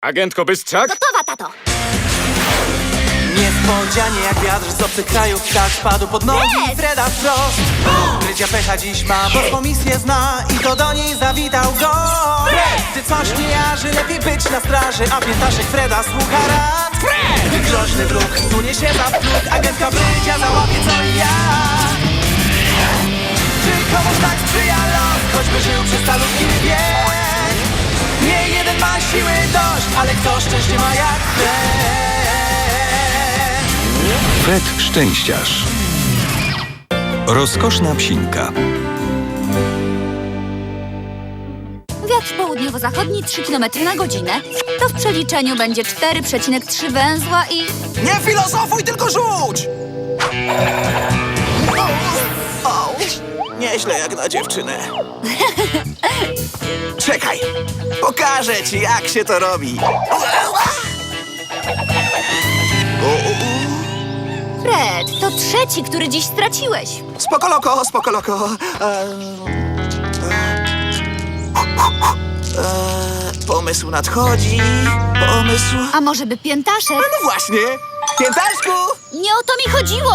Agentko Bystrzak? Gotowa, tato! Niespodzianie jak wiatr z obcych krajów ptak spadł pod nogi Fred! Freda wprost. Krycia pecha dziś ma, bo misję zna i to do niej zawitał go. Gdy coś nie jarzy, lepiej być na straży, a piętaszek Freda słucha rad. Gdy groźny wróg sunie się za próg, agentka Brydzia załapie co i jak. Czy komuś tak sprzyja los, choćby żył przez calutki wiek. Nie jeden ma siły dość, ale kto szczęście ma jak Fred. Fred Szczęściarz. Rozkoszna psinka. Wiatr południowo-zachodni 3 km na godzinę. To w przeliczeniu będzie 4,3 węzła i... Nie filozofuj, tylko rzuć! O, nieźle jak na dziewczynę. Czekaj, pokażę ci, jak się to robi. Fred, to trzeci, który dziś straciłeś. Spoko loko, spoko loko. Pomysł nadchodzi, pomysł... A może by piętaszek? No właśnie, piętaszku! Nie o to mi chodziło!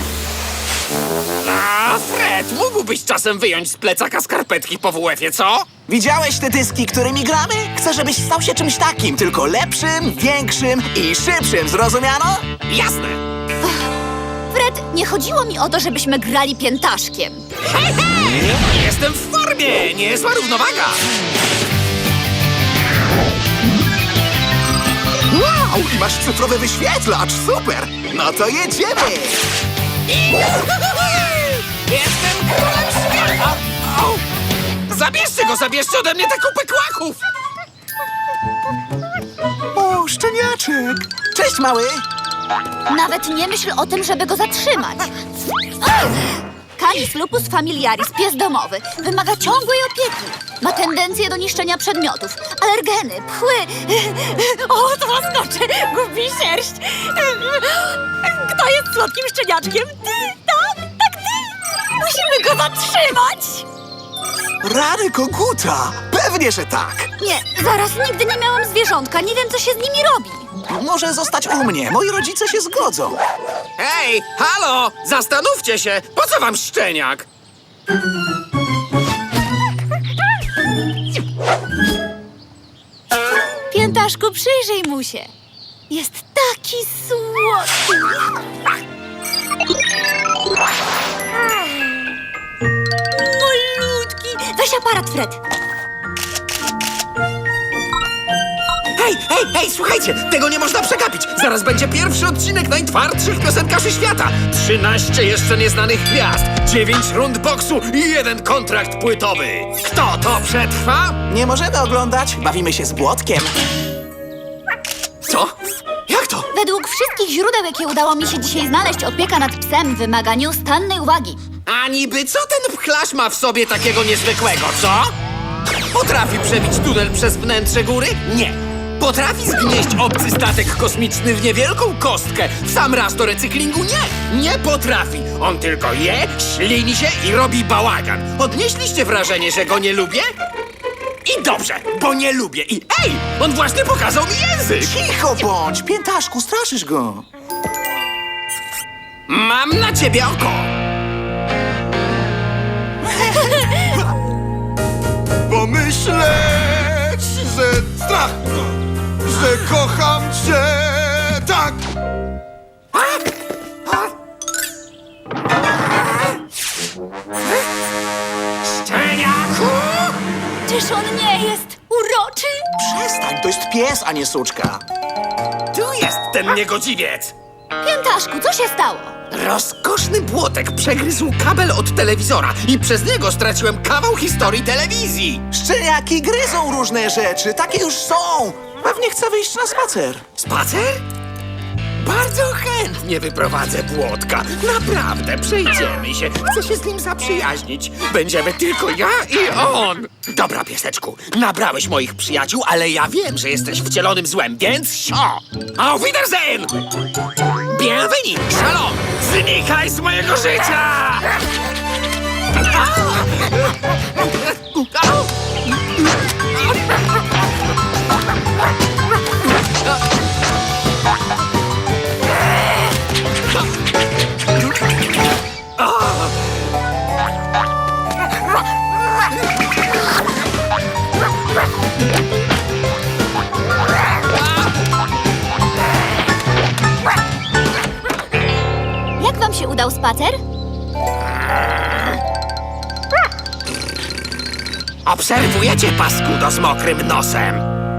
A, Fred, mógłbyś czasem wyjąć z plecaka skarpetki po WF-ie, co? Widziałeś te dyski, którymi gramy? Chcę, żebyś stał się czymś takim, tylko lepszym, większym i szybszym, zrozumiano? Jasne. Fred, nie chodziło mi o to, żebyśmy grali piętaszkiem. Hej, hej! Jestem w formie, niezła równowaga. Wow, i masz cyfrowy wyświetlacz, super! No to jedziemy! Jestem królem świata! Au! Zabierzcie ode mnie tę kupę kłaków! O, szczeniaczek! Cześć, mały! Nawet nie myśl o tym, żeby go zatrzymać. Canis lupus familiaris, pies domowy, wymaga ciągłej opieki. Ma tendencję do niszczenia przedmiotów, alergeny, pchły. O, to łaskocze, gubi sierść. Kto jest słodkim szczeniaczkiem? Ty, tak, ty. Musimy go zatrzymać. Rany koguta! Pewnie, że tak! Nie, zaraz, nigdy nie miałam zwierzątka, nie wiem, co się z nimi robi. Może zostać u mnie, moi rodzice się zgodzą. Hej, halo! Zastanówcie się! Po co wam szczeniak? Piętaszku, przyjrzyj mu się. Jest taki słodki. Malutki. Weź aparat, Fred. Hej, słuchajcie! Tego nie można przegapić! Zaraz będzie pierwszy odcinek najtwardszych piosenkarzy świata! 13 jeszcze nieznanych gwiazd, 9 rund boksu i 1 kontrakt płytowy! Kto to przetrwa? Nie możemy oglądać, bawimy się z Błotkiem. Co? Jak to? Według wszystkich źródeł, jakie udało mi się dzisiaj znaleźć, opieka nad psem wymaga nieustannej uwagi. A niby co ten pchlarz ma w sobie takiego niezwykłego, co? Potrafi przebić tunel przez wnętrze góry? Nie. Potrafi zgnieść obcy statek kosmiczny w niewielką kostkę w sam raz do recyklingu? Nie potrafi. On tylko je, ślini się i robi bałagan. Odnieśliście wrażenie, że go nie lubię? I dobrze, bo nie lubię. I ej, on właśnie pokazał mi język. Cicho bądź, piętaszku, straszysz go. Mam na ciebie oko. Pomyśleć, że strach, że kocham cię tak. Szczeniaku! Czyż on nie jest uroczy? Przestań, to jest pies, a nie suczka. Tu jest ten niegodziwiec. Piętaszku, co się stało? Rozkoszny błotek przegryzł kabel od telewizora i przez niego straciłem kawał historii telewizji. Szczeniaki gryzą różne rzeczy, takie już są. Pewnie chcę wyjść na spacer. Spacer? Bardzo chętnie wyprowadzę Błotka. Naprawdę, przejdziemy się. Chcę się z nim zaprzyjaźnić. Będziemy tylko ja i on. Dobra, pieseczku, nabrałeś moich przyjaciół, ale ja wiem, że jesteś wcielonym złem, więc sio! Auf Wiedersehen! Bienvenue, shalom! Znikaj z mojego życia! Au! Au! udał spacer? Obserwujecie paskudo z mokrym nosem.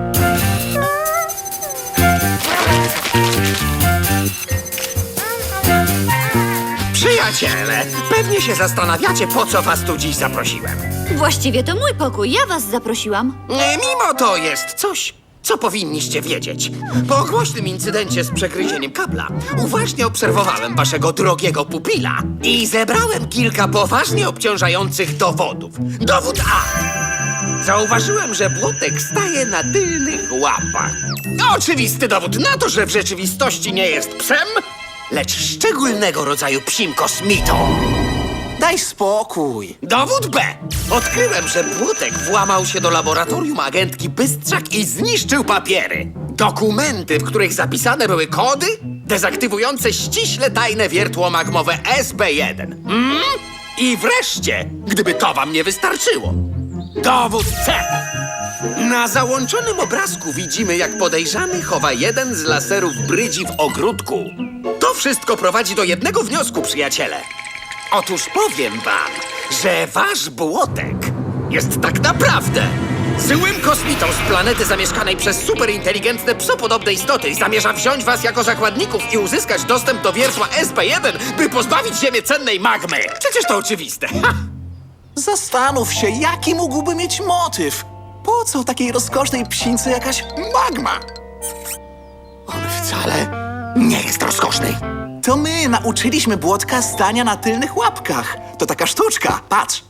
Przyjaciele, pewnie się zastanawiacie, po co was tu dziś zaprosiłem. Właściwie to mój pokój, ja was zaprosiłam. Mimo to jest coś, co powinniście wiedzieć. Po głośnym incydencie z przegryzieniem kabla uważnie obserwowałem waszego drogiego pupila i zebrałem kilka poważnie obciążających dowodów. Dowód A. Zauważyłem, że Błotek staje na tylnych łapach. Oczywisty dowód na to, że w rzeczywistości nie jest psem, lecz szczególnego rodzaju psim kosmitą. Daj spokój. Dowód B. Odkryłem, że Błotek włamał się do laboratorium agentki Bystrzak i zniszczył papiery. Dokumenty, w których zapisane były kody dezaktywujące ściśle tajne wiertło magmowe SB1. I wreszcie, gdyby to wam nie wystarczyło, dowód C. Na załączonym obrazku widzimy, jak podejrzany chowa jeden z laserów brydzi w ogródku. To wszystko prowadzi do jednego wniosku, przyjaciele. Otóż powiem wam, że wasz Błotek jest tak naprawdę złym kosmitą z planety zamieszkanej przez superinteligentne psopodobne istoty i zamierza wziąć was jako zakładników i uzyskać dostęp do wiertła SP1, by pozbawić Ziemię cennej magmy. Przecież to oczywiste. Ha! Zastanów się, jaki mógłby mieć motyw. Po co takiej rozkosznej psince jakaś magma? On wcale nie jest rozkoszny. To my nauczyliśmy Błotka stania na tylnych łapkach. To taka sztuczka, patrz.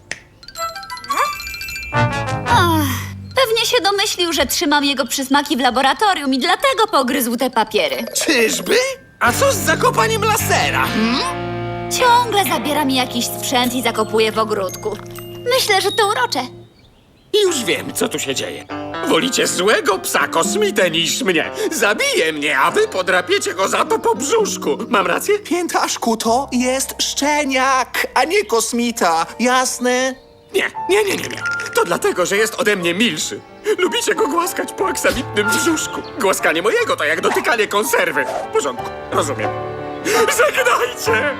Pewnie się domyślił, że trzymam jego przysmaki w laboratorium i dlatego pogryzł te papiery. Czyżby? A co z zakopaniem lasera? Ciągle zabiera mi jakiś sprzęt i zakopuje w ogródku. Myślę, że to urocze. I już wiem, co tu się dzieje. Wolicie złego psa kosmitę niż mnie. Zabije mnie, a wy podrapiecie go za to po brzuszku. Mam rację? Piętaszku, to jest szczeniak, a nie kosmita. Jasne? Nie. To dlatego, że jest ode mnie milszy. Lubicie go głaskać po aksamitnym brzuszku. Głaskanie mojego to jak dotykanie konserwy. W porządku, rozumiem. Żegnajcie!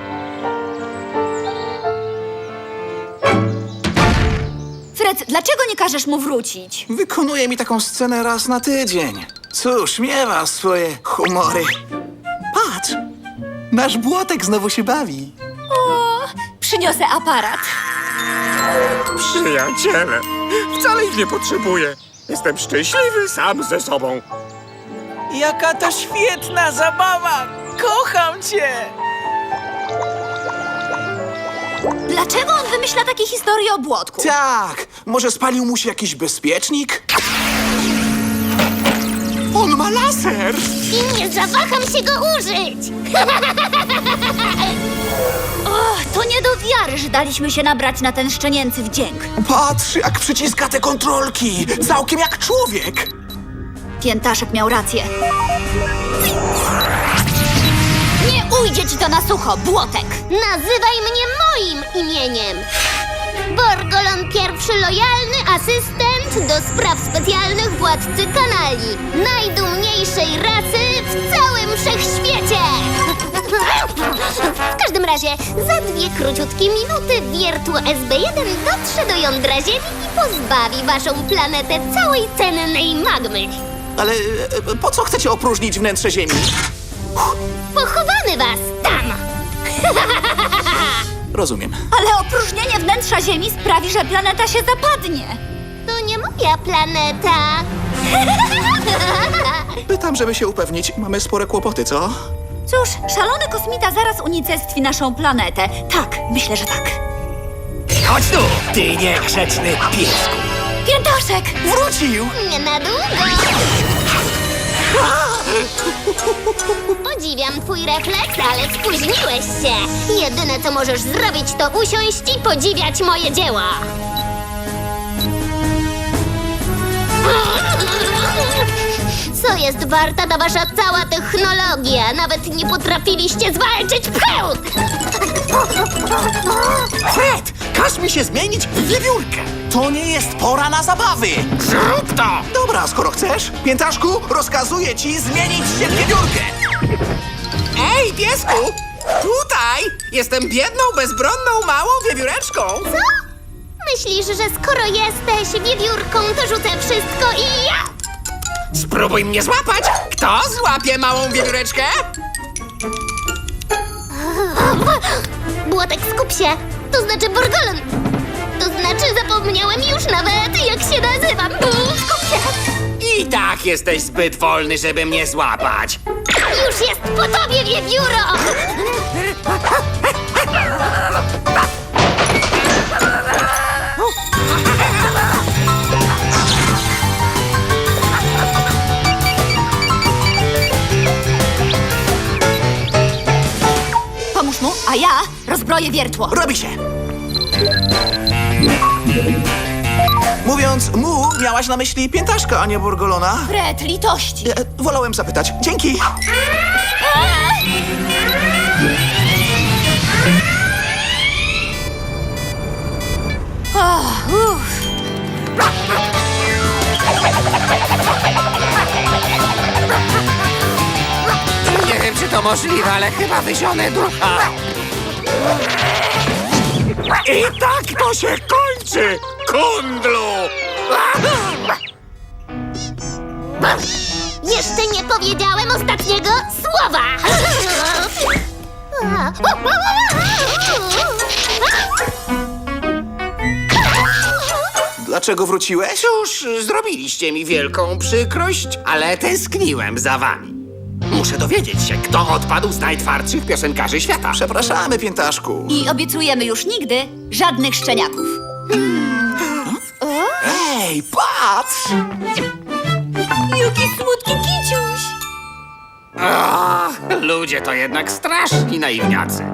Fred, dlaczego nie każesz mu wrócić? Wykonuje mi taką scenę raz na tydzień. Cóż, miewa swoje humory. Patrz, nasz Błotek znowu się bawi. O, przyniosę aparat. Przyjaciele, wcale ich nie potrzebuję. Jestem szczęśliwy sam ze sobą. Jaka to świetna zabawa! Kocham cię! Dlaczego on wymyśla takie historie o Błotku? Tak, może spalił mu się jakiś bezpiecznik? On ma laser! I nie zawaham się go użyć! O, to nie do wiary, że daliśmy się nabrać na ten szczenięcy wdzięk. Patrz, jak przyciska te kontrolki! Całkiem jak człowiek! Piętaszek miał rację. Nie ujdzie ci to na sucho, Błotek! Nazywaj mnie moim imieniem! Borgolon pierwszy lojalny asystent do spraw specjalnych władcy kanali. Najdumniejszej rasy w całym wszechświecie! W każdym razie, za 2 króciutkie minuty wiertło SB1 dotrze do jądra Ziemi i pozbawi waszą planetę całej cennej magmy. Ale po co chcecie opróżnić wnętrze Ziemi? Pochowamy was tam! Rozumiem. Ale opróżnienie wnętrza Ziemi sprawi, że planeta się zapadnie. To nie moja planeta. Pytam, żeby się upewnić. Mamy spore kłopoty, co? Cóż, szalony kosmita zaraz unicestwi naszą planetę. Tak, myślę, że tak. Chodź tu, ty niegrzeczny piesku. Piętaszek! Wrócił! Nie na długo. Podziwiam twój refleks, ale spóźniłeś się. Jedyne, co możesz zrobić, to usiąść i podziwiać moje dzieła. Co jest warta ta wasza cała technologia? Nawet nie potrafiliście zwalczyć pchełk! Fred, każ mi się zmienić w wiewiórkę. To nie jest pora na zabawy! Zrób to! Dobra, skoro chcesz, Piętaszku, rozkazuję ci zmienić się w wiewiórkę! Ej, piesku! Tutaj! Jestem biedną, bezbronną, małą wiewióreczką! Co? Myślisz, że skoro jesteś wiewiórką, to rzucę wszystko i ja? Spróbuj mnie złapać! Kto złapie małą wiewióreczkę? Błotek, skup się. To znaczy Borgolon. To znaczy zapomniałem już nawet, jak się nazywam. Skup się. I tak jesteś zbyt wolny, żeby mnie złapać. Już jest po tobie, wiewióro! Pomóż mu, a ja rozbroję wiertło. Robi się. Mówiąc mu, miałaś na myśli piętaszka, a nie Borgolona? Fred, litości. Wolałem zapytać. Dzięki. Nie wiem, czy to możliwe, ale chyba wyzionę ducha. I tak to się kończy, kundlu! Jeszcze nie powiedziałem ostatniego słowa! Dlaczego wróciłeś? Cóż, zrobiliście mi wielką przykrość, ale tęskniłem za wami. Muszę dowiedzieć się, kto odpadł z najtwardszych piosenkarzy świata. Przepraszamy, piętaszku. I obiecujemy już nigdy żadnych szczeniaków. Ej, patrz! Jaki słodki kiciuś. Ach, ludzie to jednak straszni naiwniacy.